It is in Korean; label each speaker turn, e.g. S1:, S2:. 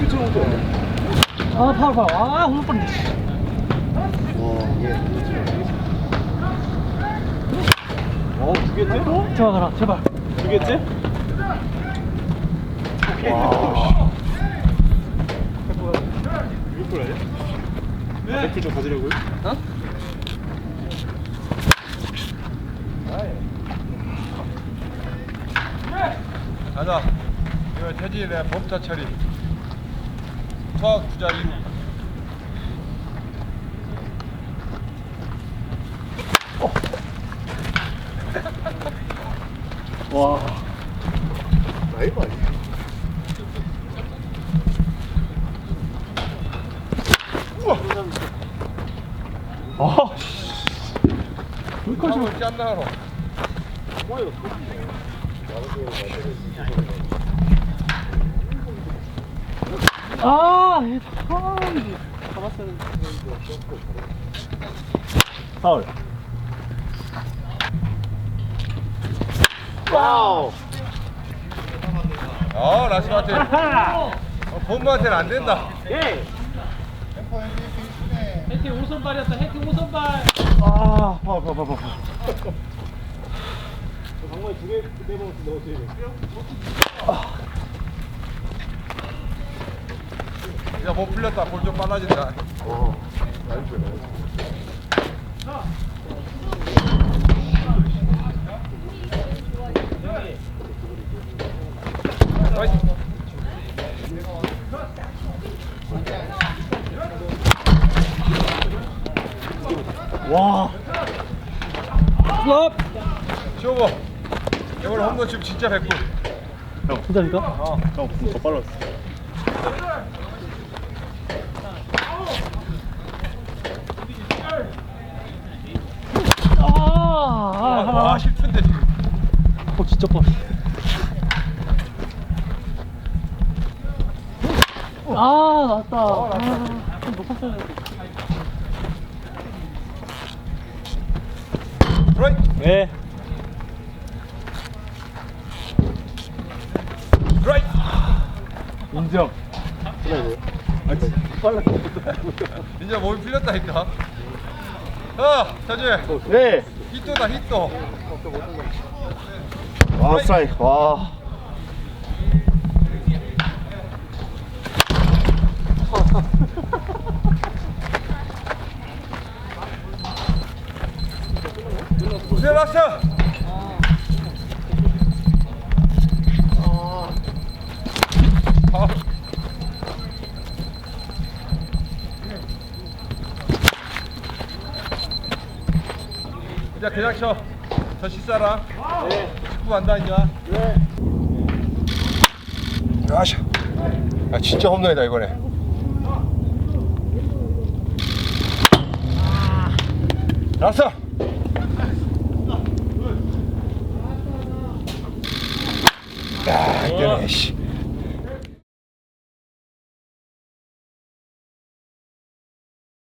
S1: 아, 파울. 아, 홈런 뻔네.
S2: 주겠지?
S1: 들어가라, 제발.
S2: 주겠지?
S1: 와.
S2: 이걸 아니야? 백줄 좀 가지려고요?
S1: 어?
S3: 가자. 이거 태진의 범타 처리. 수학 주자 2루.
S1: 와.
S2: 라이브 아니야?
S1: 아.
S3: 물컵을 짠다로.
S1: 아, 잡았어야 파울.
S2: 와우.
S3: 라스마한테. 본부한테는 안 된다.
S2: 예.
S1: 해티 오선발이었다. 해티 오선발. 아, 파울.
S2: 방망이 두개 내보면 넣어줘야 돼.
S3: 야, 못 풀렸다. 볼 좀 빨라진다.
S1: 와. 플롭.
S3: 쇼고. 이번 홈런 치면 진짜 100%.
S1: 진짜니까?
S2: 형, 더 빨랐어.
S3: 와, 실수인데 지금.
S1: 진짜 뻔. 나왔다. 좀 높았어야 돼.
S3: 라이트.
S1: 네.
S3: 라이트.
S1: 인정.
S3: 이제 몸이 풀렸다니까. 태진.
S2: 네.
S3: 히트다, 히트.
S2: 와, 스트라이크. 와.
S3: 세라스. 이제 그냥 쳐. 저 식사라. 네. 식구 간다 이제.
S2: 네.
S3: 아샤. 아 진짜 홈런이다 이거네. 나왔어. 야 이거네 씨.